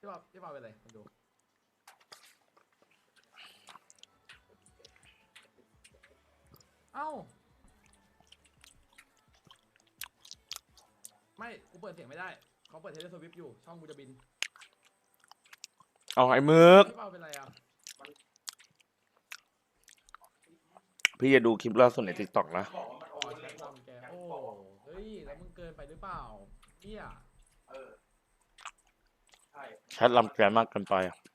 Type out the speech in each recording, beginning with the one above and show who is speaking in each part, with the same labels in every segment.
Speaker 1: พี่บอลเป็นไรมาดูเอ้าไม่กูเปิดเสียงไม่ได้เขาเปิดเทเลสวิฟอยู่ช่องกูจะบิน
Speaker 2: เอาไอ้มึก
Speaker 1: พี่บอลเป็นไรอ่ะ
Speaker 2: พี่จะดูคลิปล่าสุดใน TikTok นะ
Speaker 1: อ๋อแชทลำแกโอ้เฮ้ยแล้วมึงเกินไปหรือเปล่าเนี่ย
Speaker 2: แชทลำแกมากเกินไป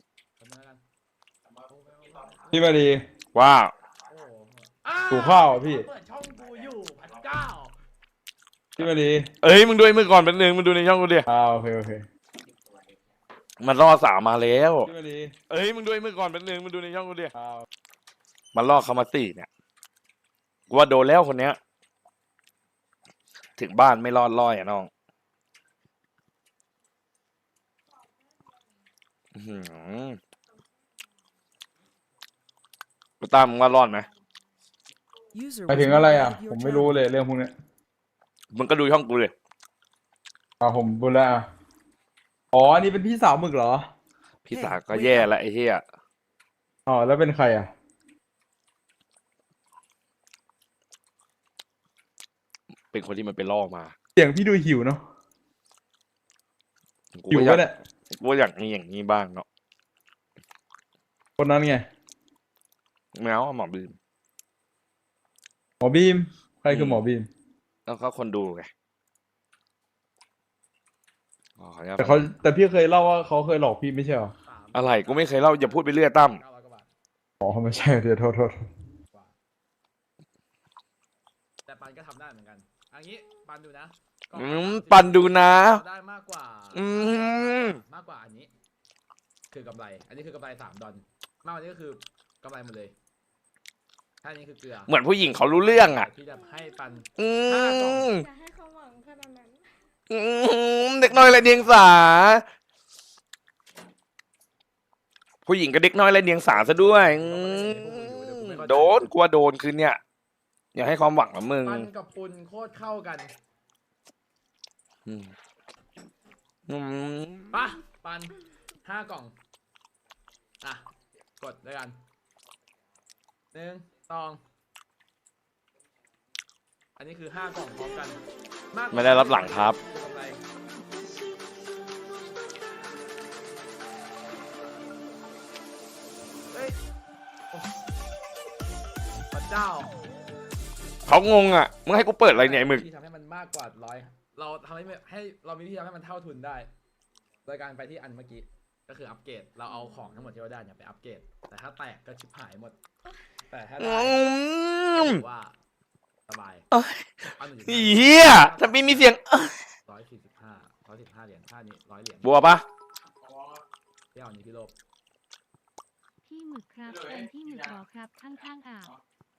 Speaker 3: พี่มาดี
Speaker 2: ว่า
Speaker 3: ถูข้าวพี่
Speaker 1: เปิดช่องกูอยู่พันเก้า
Speaker 3: พี่มาดี
Speaker 2: เอ้ยมึงดูไอ้มึงก่อนเป็นหนึ่งมึงดูในช่องกูดิ
Speaker 3: โอเคโอเค
Speaker 2: มันล่อสาวมาแล้ว
Speaker 3: พี่มาดี
Speaker 2: เอ้ยมึงดูไอ้มึงก่อนเป็นหนึ่งมึงดูในช่องกูดิมันล่อเขามาสี่เนี่ยกูว่าโดนแล้วคนเนี้ยถึงบ้านไม่รอดล่อยอ่ะน้องกูตามมึงว่ารอดไหม
Speaker 3: ไปถึงอะไรอ่ะผมไม่รู้เลยเรื่องพวกนี้
Speaker 2: มึงก็ดูช่องกูเลย
Speaker 3: ผมบุญแล้วอ๋ออันนี้เป็นพี่สาวหมึกเหรอ
Speaker 2: พี่สาวก็แย่ละไอ้เหี้ย
Speaker 3: อ๋อแล้วเป็นใครอ่ะ
Speaker 2: เป็นคนที่มันไปล่อมา
Speaker 3: เสียงพี่ดูหิวเนาะหิวก็เนี่ย
Speaker 2: กูอยากมีอย่างนี้บ้างเนาะ
Speaker 3: คนนั้นไง
Speaker 2: แมวหมอบีม
Speaker 3: ใครคือหมอบีม
Speaker 2: แล้วก็คนดูไง
Speaker 3: แต่พี่เคยเล่าว่าเขาเคยหลอกพี่ไม่ใช่หรอ
Speaker 2: อะไรกูไม่เคยเล่าอย่าพูดไปเรื่อยตั้ม
Speaker 3: อ๋อไม่ใช่เดี๋ยวโทษ
Speaker 1: แต่ปันก็ทำได้เหมือนกันอันนี้ปันดูนะ
Speaker 2: ปันดูนะ
Speaker 1: ได้มากกว่าอันนี้คือกำไรอันนี้คือกำไร$3มากกว่านี้ก็คือกำไรหมดเลยถ้านี้คือเกลือ
Speaker 2: เหมือนผู้หญิงเขารู้เรื่องอ่ะ
Speaker 1: ที่จะให้ปัน
Speaker 4: จะให้เขาหวังขนาดนั้น
Speaker 2: เด็กน้อยไรเดียงสาผู้หญิงกับเด็กน้อยไรเดียงสาซะด้วยโดนกลัวโดนคืนเนี่ยอย่าให้ความหวังกับมึง
Speaker 1: ปันกับปุนโคตรเข้ากันปะปัน5 กล่องอ่ะกดด้วยกัน1 2อันนี้คือ5 กล่องพร้อมกัน
Speaker 2: ไม่ได้รับหลังครับ
Speaker 1: เฮ้ยพระเจ้า
Speaker 2: เขางงอ่ะมึงให้กูเปิดอะไรเนี่ยมึง
Speaker 1: ที่ทำให้มันมากกว่า100เราทำให้เรามีวิธีทำให้มันเท่าทุนได้โดยการไปที่อันเมื่อกี้ก็คืออัปเกรดเราเอาของทั้งหมดที่เราได้เนี่ยไปอัปเกรดแต่ถ้าแตกก็ชิบหายหมดแต่ถ้าได้ว่าสบาย
Speaker 2: เฮียถ้าไม่มีเสียง
Speaker 1: 145เหรียญท่านี้100 เหรียญ
Speaker 2: บัวปะ
Speaker 1: ที่เอานี้พี่โลบ
Speaker 4: พี่หมึกครับแฟนพี่หมึกรอครับข้างๆอ่าว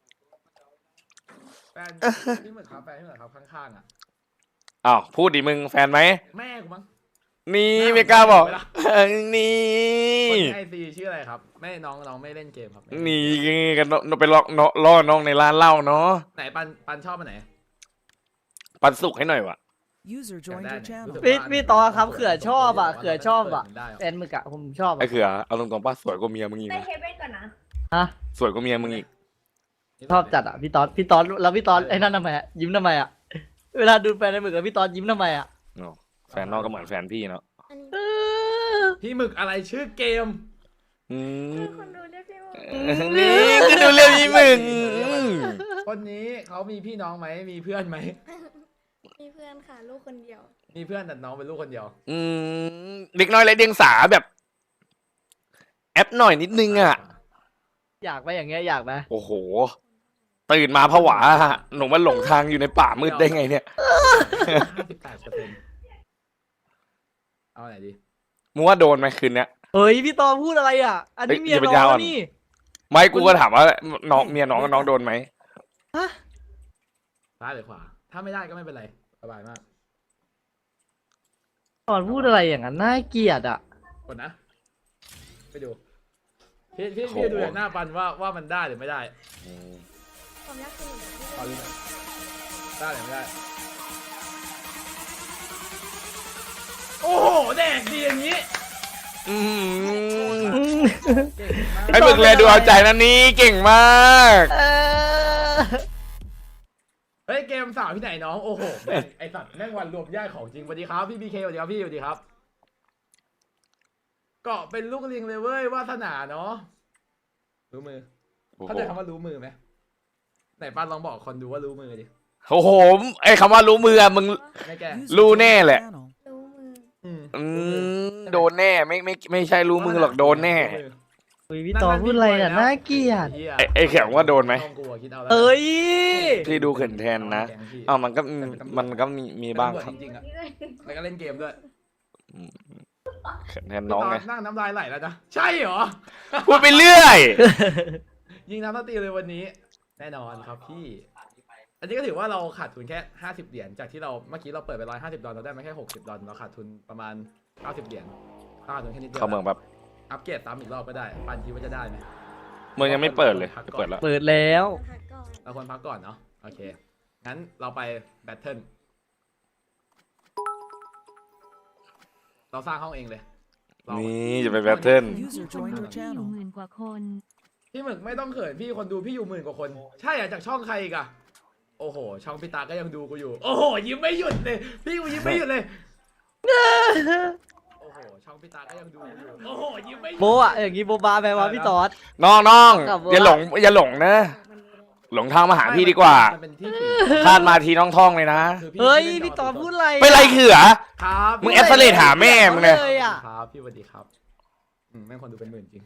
Speaker 1: แฟนพี่หมึกครับข้างๆอ่ะ
Speaker 2: อ้าวพูดดิมึงแฟนไหม
Speaker 1: แม่กูมั้ง
Speaker 2: นี่ไม่กล้าบอกนี่
Speaker 1: คนไอซีชื่ออะไรครับแม่น้องไม่เล่นเกมครับ
Speaker 2: นี่กันไปล่อน้องในร้านเหล้าเนาะ
Speaker 1: ไหนปันชอบอันไหน
Speaker 2: ปันสุกให้หน่อยวะ
Speaker 5: พี่ต่อครับเขือชอบอ่ะแฟนมึกอะผมชอบ
Speaker 2: ไอ้เขือเอาตรงๆป้าสวยกว่าเมียมึงอีก
Speaker 4: ไปเฮเว่นก่อนนะ
Speaker 5: ฮะ
Speaker 2: สวยกว่าเมียมึงอีก
Speaker 5: ชอบจัดอ่ะพี่ตอนแล้วพี่ตอนไอ้นั่นทำไมอะยิ้มทำไมอะเวลาดูแฟนในมึกกับพี่ตอนยิ้มทำไมอะ
Speaker 2: แฟนนอกก็เหมือนแฟนพี่เนาะ
Speaker 1: พี่หมึกอะไรชื่อเกม
Speaker 4: คนดูเรียกพี่หมึก
Speaker 2: นี่ก็ดูเรียกพี่หมึก
Speaker 1: คนนี้เขามีพี่น้องไหมมีเพื่อนไหม
Speaker 4: มีเพื่อนค่ะลูกคนเดียว
Speaker 1: มีเพื่อนแต่น้องเป็นลูกคนเดียว
Speaker 2: เด็กน้อยไรเดียงสาแบบแอปหน่อยนิดนึงอ่ะ
Speaker 5: อยากไหมอย่างเงี้ยอยากไหม
Speaker 2: โอ้โหตื่นมาผวาหนูมาหลงทางอยู่ในป่ามืดได้ไงเนี่ย
Speaker 1: เอาไหนดี
Speaker 2: มึงว่าโดนไหมคืนเนี้ย
Speaker 5: เฮ้ยพี่ตอพูดอะไรอ่ะอันนี้เมียน้องนี่
Speaker 2: ไม่กูก็ถามว่าน้องเมียน้องโดนไหม
Speaker 1: ซ้ายหรือขวาถ้าไม่ได้ก็ไม่เป็นไรสบายมาก
Speaker 5: ตอนพูดอะไรอย่างนั้นน่าเกลียดอ่ะ
Speaker 1: กดนะไปดูพี่ดูจากหน้าปันว่ามันได้หรือไม่ได้
Speaker 4: ความยากคือ
Speaker 1: เอาดูได้หรือไม่ได้โอ้โหแดกดีอย่างนี้
Speaker 2: อืม
Speaker 1: เก่งมาก
Speaker 2: ไอ้มึกแลดูเอาใจนะนี่เก่งมาก
Speaker 5: เออ
Speaker 1: เฮ้ยเกมสาวที่ไหนน้องโอ้โหแม่งไอสัตว์แม่งวันรวมญาติของจริงสวัสดีครับพี่บีเคสวัสดีครับพี่สวัสดีครับเกาะเป็นลูกลิงเลยเว้ยวาสนาเนาะรู้มือเข้าใจคำว่ารู้มือไหมไหนป้าลองบอกคนดูว่ารู้มือดิ
Speaker 2: โอ้โหไอ้คำว่ารู้มืออะมึง
Speaker 1: ไม่แก
Speaker 2: รู้แน่แหละ
Speaker 6: รู้มือ
Speaker 2: อืมโดนแน่ไม่ใช่รู้มือหรอกโดนแน่
Speaker 5: อุ้ยพี่ตอนพูดอะไรน่ะน่าเกลียด
Speaker 2: ไอ้แข็งว่าโดนไหม
Speaker 1: ต้องกลัวคิดเอาแล้ว
Speaker 5: เอ้ย
Speaker 2: พี่ดูเขินแทนนะอ้าวมันก็มีบ้างครับ
Speaker 1: จริงๆอะแล้วก็เล่นเกมด้วย
Speaker 2: เขินแทนน้องไง
Speaker 1: นั่งน้ำลายไหลแล้วนะใช่เหรอ
Speaker 2: พูดไปเรื่อย
Speaker 1: ยิงน้ำสตีเลยวันนี้ แน่นอนครับพี่ อันนี้ก็ถือว่าเราขาดทุนแค่50เหรียญจากที่เราเมื่อกี้เราเปิดไป$150เราได้มาแค่60เราขาดทุนประมาณ90เหรียญขาดทุนแค่นิดเดียว
Speaker 2: เข้าเมืองแบบ
Speaker 1: อัปเกรดซ้ำอีกรอบก็ได้ปันคิดว่าจะได้ไหม
Speaker 2: เมืองยังไม่เปิดเลยจะเปิดแล้ว
Speaker 5: เปิดแล้ว
Speaker 6: พักก่อน
Speaker 1: เราควรพักก่อนเนาะโอเคงั้นเราไปแบทเทิลเราสร้างห้องเองเลยเรา
Speaker 2: นี่จะไปแบทเทิล
Speaker 4: มีคนดูที่อยู่หมื่นกว่าคน
Speaker 1: พี่หมึกไม่ต้องเขินพี่คนดูพี่อยู่10,000 กว่าคน ใช่อะจากช่องใครอีกอะโอ้โห ช่องพี่ตาก็ยังดูกูอยู่ โอ้โห ยิ้มไม่หยุดเลย พี่กูยิ้มไม่หยุดเลย โอ้โห ช่องพี่ตาก็ยังดูกูอยู่ โอ้โห ยิ้มไม่หยุด
Speaker 5: โบอะอย่างงี้โบบาแปลว่าพี่ตอด
Speaker 2: น้อง
Speaker 5: กลับว่า
Speaker 2: อย่าหลงนะ หลงทางมาหาพี่ดีกว่า
Speaker 1: มันเป็นที่สี
Speaker 2: พลาดมาทีน้องท่องเลยนะ
Speaker 1: คือ
Speaker 5: เฮ้ย
Speaker 1: ล่น
Speaker 5: พี่ตอดพูดอะไร
Speaker 2: ไปไรเขือ
Speaker 1: ครับ
Speaker 2: มึงแอปเสเลดหาแม่มึงเลย
Speaker 5: เลยอะ
Speaker 1: ครับพี่สวัสดีครับแม่งคนดูเป็นหมื่นจริง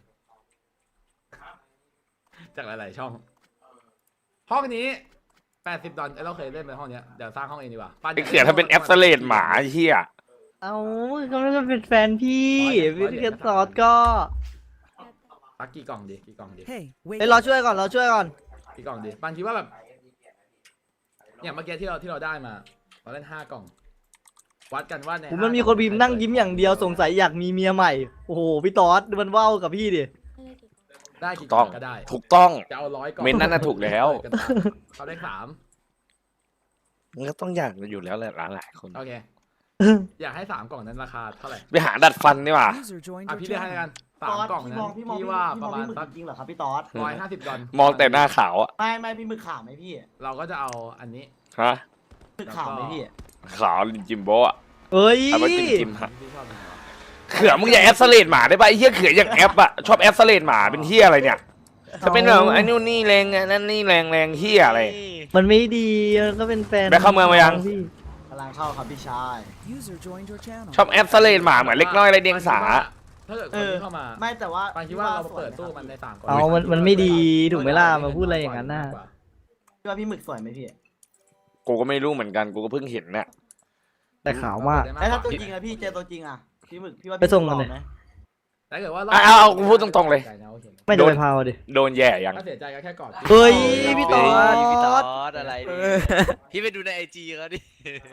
Speaker 1: จากหลายๆช่อง ห้องนี้$80เราเคยเล่นไปห้องเนี้ยเดี๋ยวสร้างห้องเองดีกว่าปั้น
Speaker 2: ไอ้เขือถ้าเป็นแอปเสเลดหมาไอ้เหี้ย
Speaker 5: เอาก็ไม่ได้เป็นแฟนพี่พี่ตอดก็
Speaker 1: ตักกี่กล่องดีกี่กล่องดี
Speaker 5: เฮ้ยเราช่วยก่อนเราช่วยก่อน
Speaker 1: กี่กล่องดีปันคิดว่าแบบอย่างเมื่อกี้ที่เราได้มาเราเล่น5 กล่อง วัดกันว่าใน
Speaker 5: ผมมันมีคนพิมพ์นั่งยิ้มอย่างเดียวสงสัยอยากมีเมียใหม่โอ้โหพี่ตอดมันว่าวกับพี่ดิ
Speaker 1: ได้กี่ก
Speaker 2: ต้
Speaker 1: ล่
Speaker 2: อ
Speaker 1: อง งก็ได้
Speaker 2: ถูกต้อง
Speaker 1: จะเอา100 กล่อง
Speaker 2: เม้นนั่นน่ะถูกแล้ว
Speaker 1: เขาได้3
Speaker 2: มันก็ต้องอยากอยู่แล้วแหละหลายคน
Speaker 1: โอเค อยากให้3 กล่องนั้นราคาเท่าไหร่
Speaker 2: ไปหาดัดฟันดีกว่า
Speaker 1: อ่ะพี่เลือกให้แล้วกัน3 กล่องนั้นพี่ว่าประมาณสัก
Speaker 5: จริงเหรอครับพี่ตอด
Speaker 1: $150
Speaker 2: มองแต่หน้าขาวอะ
Speaker 5: ไม่พี่มือขาวไหมพี่
Speaker 1: เราก็จะเอาอันนี้
Speaker 2: ฮะ
Speaker 5: มือขาวไหมพี่
Speaker 2: ขาวจิมโบอะ
Speaker 5: เฮ้ย
Speaker 2: เอาไปจิ้มฮะ
Speaker 1: ที่ชอบเป็นไงวะ
Speaker 2: เขือมึงอย่าแอปเสเลดหมาได้ป่ะไอ้เหี้ยเขืออย่างแอปอะชอบแอปเสเลดหมาเป็นเหี้ยอะไรเนี่ยจะเป็นแบบไอ้นู่นนี่แรงไงนั่นนี่แรงเหี้ยอะไร
Speaker 5: มันไม่ดีก็เป็นแฟน
Speaker 2: แบ็คเข้าเมืองมายัง
Speaker 5: พี่
Speaker 7: กำลังเข้าครับพี่ชาย
Speaker 2: ชอบแอปเสเลดหมาเหมือนเล็กน้อยไรเดียงสา
Speaker 1: ถ้าเกิดคนที่เข้ามา
Speaker 7: ไม่แต่ว่า
Speaker 1: ปานคิดว่าเราเปิดตู้มันใน3 กล่อง
Speaker 5: เอามันไม่ดีถูกไหมล่ะมาพูดอะไรอย่างนั้นน่ะ
Speaker 7: พี่ว่าพี่หมึกสวยไหมพี่
Speaker 2: กูก็ไม่รู้เหมือนกันกูก็เพิ่งเห็นน่ะ
Speaker 5: แต่ขาวมาก
Speaker 7: แล้วถ้าตัวจริงอะพี่เจอตัวจริงอะพี่หมึกพี่ว่า
Speaker 5: ไปส่งกันเลย
Speaker 7: หล่อไหม
Speaker 1: ถ้าเกิดว่า
Speaker 2: เอากูพูดตรงๆเลย
Speaker 5: ไม่จะไปพาวดิ
Speaker 2: โดนแย่ยัง
Speaker 1: ถ้าเสียใจก็แค่กอด
Speaker 5: เฮ้ยพี่ตอ
Speaker 8: พี่ตอ
Speaker 5: ด
Speaker 8: ดอะไรดิพี่ไปดูในไอจีเขาดิ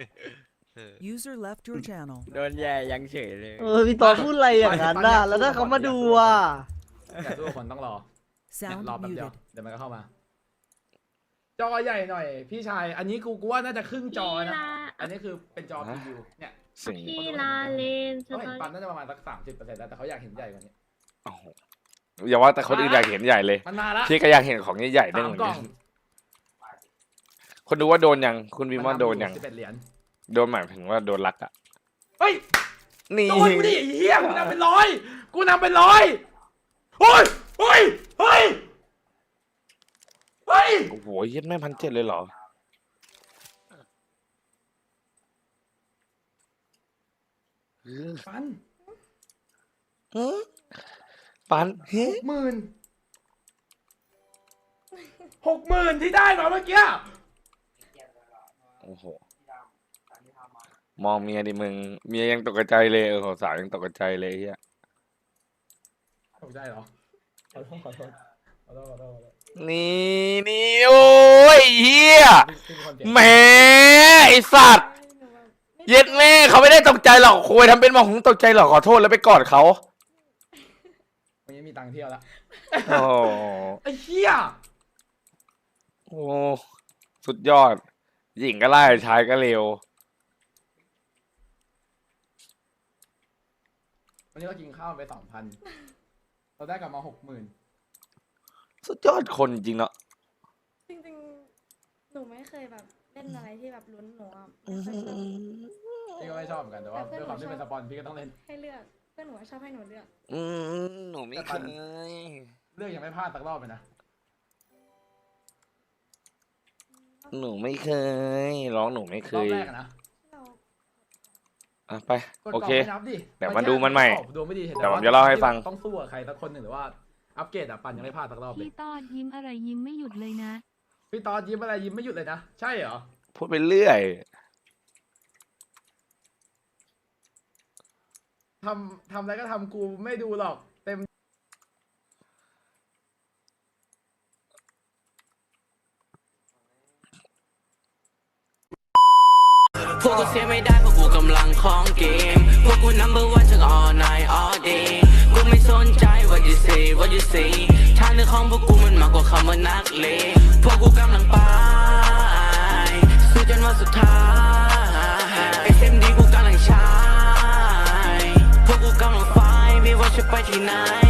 Speaker 9: User left your channel.
Speaker 8: โดนแย่ยังเฉยเลย
Speaker 5: พี่ตอดพูดอะไรอย่างนั้นน่ะแล้วถ้าเขามาดูอ่ะ
Speaker 1: แต่ทุกคนต้องรอ
Speaker 9: Sound
Speaker 1: รอแป๊บเดียว
Speaker 9: muted.
Speaker 1: เดี๋ยวมันก็เข้ามา จอใหญ่หน่อย พี่ชาย อันนี้กูว่าน่าจะครึ่งจอนะ อันนี้คือเป็นจอพรีวิวเนี่ย
Speaker 2: สิ่ง
Speaker 6: พี่ลาเลนส
Speaker 1: เขา
Speaker 6: ต
Speaker 1: เห็
Speaker 6: อน
Speaker 1: ปั๊มน่าจะประมาณสัก30%แล้วแต่เขาอยากเห็นใหญ่กว่านี้
Speaker 2: โอ้โหอย่าว่าแต่คนอื่นอยากเห็นใหญ่เลย
Speaker 1: มันมาละ
Speaker 2: พี่ก็อยากเห็นของใหญ่ๆได้เหมื
Speaker 1: 3
Speaker 2: อน
Speaker 1: กล่
Speaker 2: กั
Speaker 1: อน ง
Speaker 2: คนดูว่าโดนยังคุณวิมว่าโดนยัง
Speaker 1: 11 เหรียญ
Speaker 2: โดนหมายถึงว่าโดนรักอะ
Speaker 1: เฮ้ย
Speaker 2: นี่
Speaker 1: โดนกูดิไอ้เหี้ยกูนำเป็นร้อยกูนำเป็นร้อยเฮ้ยเฮ้ยเฮ้ยเฮ้ย
Speaker 2: โอ้โหเย็ดแม่1,700เลยเหรอ
Speaker 1: ปัน
Speaker 2: ปันเฮ้
Speaker 1: 60,000ที่ได้มาเมื่อกี้
Speaker 2: โอ้โหมองเมียดิมึงเมียยังตกใจเลยสาวยังตกใจเลยเฮีย
Speaker 1: ตกใจเหรอขอโทษขอโทษขอโทษขอโทษขอโทษ
Speaker 2: นี่โอ้ยเฮีย
Speaker 1: พี่เป็นคนเก่ง
Speaker 2: แหมไอสัตว์เย็ดแม่เขาไม่ได้ตกใจหรอกคุยทำเป็นมองหงตกใจหรอกขอโทษแล้วไปกอดเขา
Speaker 1: วันนี้มีตังค์เที่ยวแล้ว
Speaker 2: โอ้โห
Speaker 1: ไอ้เหี้ย
Speaker 2: โอ้สุดยอด หญิงก็ไล่ชายก็เร็ว
Speaker 1: วันนี้เรากินข้าวไป 2,000 เราได้กลับมา 60,000
Speaker 2: สุดยอดคนจริงเนาะ
Speaker 6: จริงๆ หนูไม่เคยแบบเล่นอะไรที่แบบลุ้นหนูอ่ะไม่เคยแบบ
Speaker 1: พี่ก็ไม่ชอบเหมือนกันแต่ว่า
Speaker 6: แต่เพื่
Speaker 1: ด้
Speaker 6: อ
Speaker 1: วน ยความที่
Speaker 6: หนูชอบ
Speaker 1: เป็นสปอนพี่ก็ต้องเล่น
Speaker 6: ให้เลือกเพื่อนหนูชอบให้หนูเลือก
Speaker 2: หนูไม่เคย
Speaker 1: เลือกยังไม่พลาดสักรอบเลยนะ
Speaker 2: หนูไม่เคยร้องหนูไม่เค
Speaker 1: รอบ
Speaker 2: ย
Speaker 1: แรกอะนะ
Speaker 6: เรา
Speaker 2: อ่ะไป
Speaker 1: กด
Speaker 2: โอก
Speaker 1: ล่อง
Speaker 2: เค
Speaker 1: ไม่นับดิ
Speaker 2: เดี๋ยวมาดูมันใหม่
Speaker 1: ดวงไม่ดีเห็น
Speaker 2: เดี๋ยวผมจะเล่าให้ฟัง
Speaker 1: ต้องสู้กับใครสักคนหนึ่งหรือว่าอัปเกรดอะปันยังไม่พลาดสักรอบเลย
Speaker 4: พี่ตอดยิ้มอะไรยิ้มไม่หยุดเลยนะ
Speaker 1: พี่ตอนยิ้มอะไรยิ้มไม่หยุดเลยนะ ใช่เหรอ
Speaker 2: พูดไปเรื่อย
Speaker 1: ทำอะไรก็ทำกูไม่ดูหรอกเต็ม
Speaker 10: พวกกูเสียไม่ได้เพราะกูกำลังของเกมพวกกู number one ทั้ง all night all day กูไม่สนใจ what you say what you say ทางเดินของพวกกูมันมากกว่าคำว่านักเลงพวกกูกำลังไปสู้จนวันสุดท้าย SMD กูกำลังใช้พวกกูกำลังไฟไม่ว่าจะไปที่ไหน